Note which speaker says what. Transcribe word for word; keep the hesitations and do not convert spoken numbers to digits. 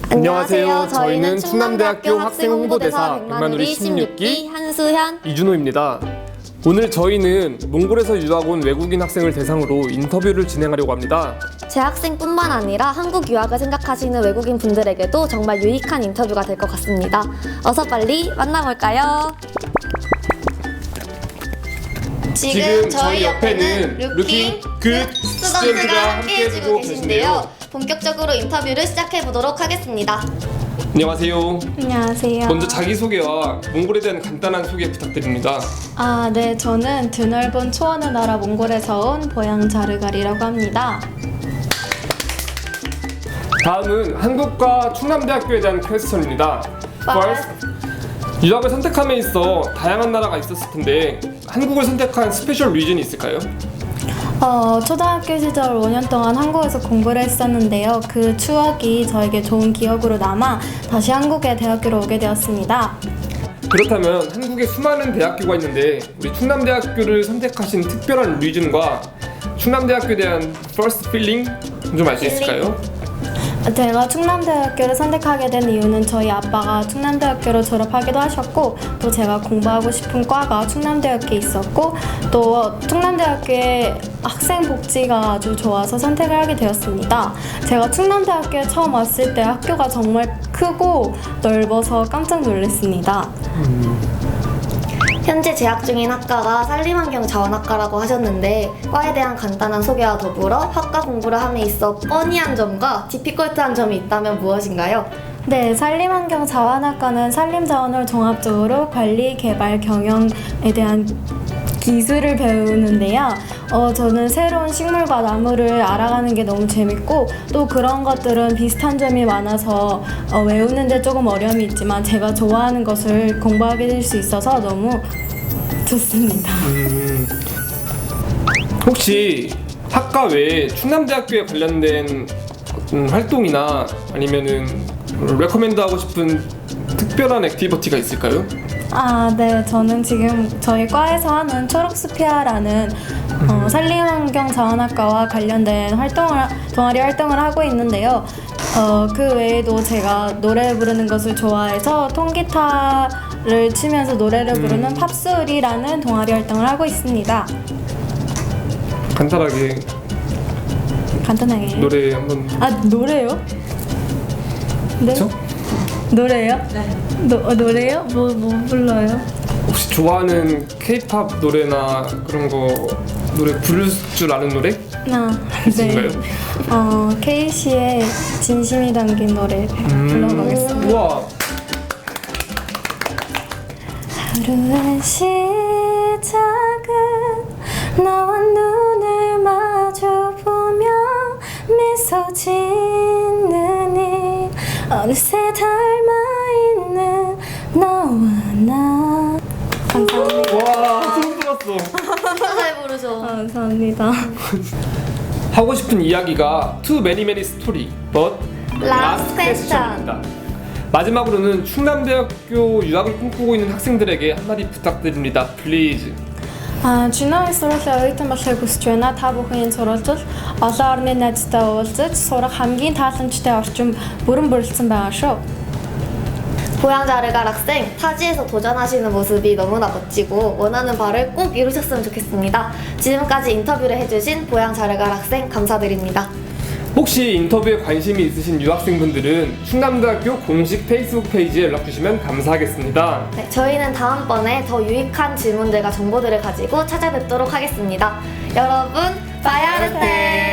Speaker 1: 안녕하세요. 저희는 충남대학교 학생홍보대사 백만우리 십육 기
Speaker 2: 한수현,
Speaker 1: 이준호입니다. 오늘 저희는 몽골에서 유학 온 외국인 학생을 대상으로 인터뷰를 진행하려고 합니다.
Speaker 2: 재학생뿐만 아니라 한국 유학을 생각하시는 외국인 분들에게도 정말 유익한 인터뷰가 될 것 같습니다. 어서 빨리 만나볼까요?
Speaker 1: 지금 저희 옆에는 루킹 굿 스튜던트가 함께해주고 계신데요.
Speaker 2: 본격적으로 인터뷰를 시작해보도록 하겠습니다.
Speaker 1: 안녕하세요.
Speaker 3: 안녕하세요.
Speaker 1: 먼저 자기소개와 몽골에 대한 간단한 소개 부탁드립니다.
Speaker 3: 아, 네, 저는 드넓은 초원의 나라 몽골에서 온 보양 자르갈이라고 합니다.
Speaker 1: 다음은 한국과 충남대학교에 대한 퀘스천입니다. First, 유학을 선택함에 있어 다양한 나라가 있었을 텐데 한국을 선택한 스페셜 리즌이 있을까요?
Speaker 3: 어, 초등학교 시절 오 년 동안 한국에서 공부를 했었는데요. 그 추억이 저에게 좋은 기억으로 남아 다시 한국의 대학교로 오게 되었습니다.
Speaker 1: 그렇다면 한국에 수많은 대학교가 있는데 우리 충남대학교를 선택하신 특별한 리즌과 충남대학교에 대한 first feeling 좀 알 수 있을까요?
Speaker 3: 제가 충남대학교를 선택하게 된 이유는 저희 아빠가 충남대학교를 졸업하기도 하셨고 또 제가 공부하고 싶은 과가 충남대학교에 있었고 또 충남대학교의 학생 복지가 아주 좋아서 선택을 하게 되었습니다. 제가 충남대학교에 처음 왔을 때 학교가 정말 크고 넓어서 깜짝 놀랐습니다.
Speaker 1: 음.
Speaker 2: 현재 재학 중인 학과가 산림환경자원학과라고 하셨는데 과에 대한 간단한 소개와 더불어 학과 공부를 함에 있어 뻔히한 점과 디피컬트한 점이 있다면 무엇인가요?
Speaker 3: 네, 산림환경자원학과는 산림자원을 종합적으로 관리, 개발, 경영에 대한 기술을 배우는데요. 어, 저는 새로운 식물과 나무를 알아가는 게 너무 재밌고 또 그런 것들은 비슷한 점이 많아서 어, 외우는데 조금 어려움이 있지만 제가 좋아하는 것을 공부하게 될 수 있어서 너무 좋습니다.
Speaker 1: 음, 혹시 학과 외에 충남대학교에 관련된 어떤 활동이나 아니면은 레코멘드하고 싶은 특별한 액티비티가 있을까요?
Speaker 3: 아, 네. 저는 지금 저희 과에서 하는 초록스피아라는 어, 산림환경자원학과와 관련된 활동을 동아리 활동을 하고 있는데요. 어, 그 외에도 제가 노래 부르는 것을 좋아해서 통기타를 치면서 노래를 부르는
Speaker 1: 음.
Speaker 3: 팝소리라는 동아리 활동을 하고 있습니다.
Speaker 1: 간단하게
Speaker 3: 간단하게.
Speaker 1: 노래 한번.
Speaker 3: 아, 노래요? 네?
Speaker 1: 그렇죠?
Speaker 3: 노래요? 네. 노, 어, 노래요? 뭐, 뭐 불러요?
Speaker 1: 혹시 좋아하는 K-팝 노래나 그런 거 노래 부를 줄 아는 노래?
Speaker 3: 아,
Speaker 1: 있을까요?
Speaker 3: 네. 어, 케이씨의 진심이 담긴 노래 불러보겠습니다.
Speaker 1: 우와.
Speaker 3: 하루의 시작은 너와 눈을 마주보며 미소 짓는 이 어느새 닮아있는 너와 나. 감사합니다.
Speaker 1: 와, 처음 들었어.
Speaker 2: 진짜 잘 부르셔.
Speaker 3: 감사합니다.
Speaker 1: 하고 싶은 이야기가 Too many many story, but
Speaker 2: Last
Speaker 1: question입니다. 마지막으로는 충남대학교 유학을 꿈꾸고 있는 학생들에게 한마디 부탁드립니다. Please.
Speaker 3: А чинаа сургуулийн оюутан болохыг хүсэж байна. Та бүхэн энэ сурвалжид олон орны найзтай уулзаж сурах хамгийн тааламжтай орчин бүрэн бүрэлдсэн байгаа шүү.
Speaker 2: 보양자르갈 학생, 타지에서 도전하시는 모습이 너무나 멋지고 원하는 바를 꼭 이루셨으면 좋겠습니다. 지금까지 인터뷰를 해주신 보양자르갈 학생 감사드립니다.
Speaker 1: 혹시 인터뷰에 관심이 있으신 유학생분들은 충남대학교 공식 페이스북 페이지에 연락주시면 감사하겠습니다.
Speaker 2: 네, 저희는 다음번에 더 유익한 질문들과 정보들을 가지고 찾아뵙도록 하겠습니다. 여러분, 바야르테!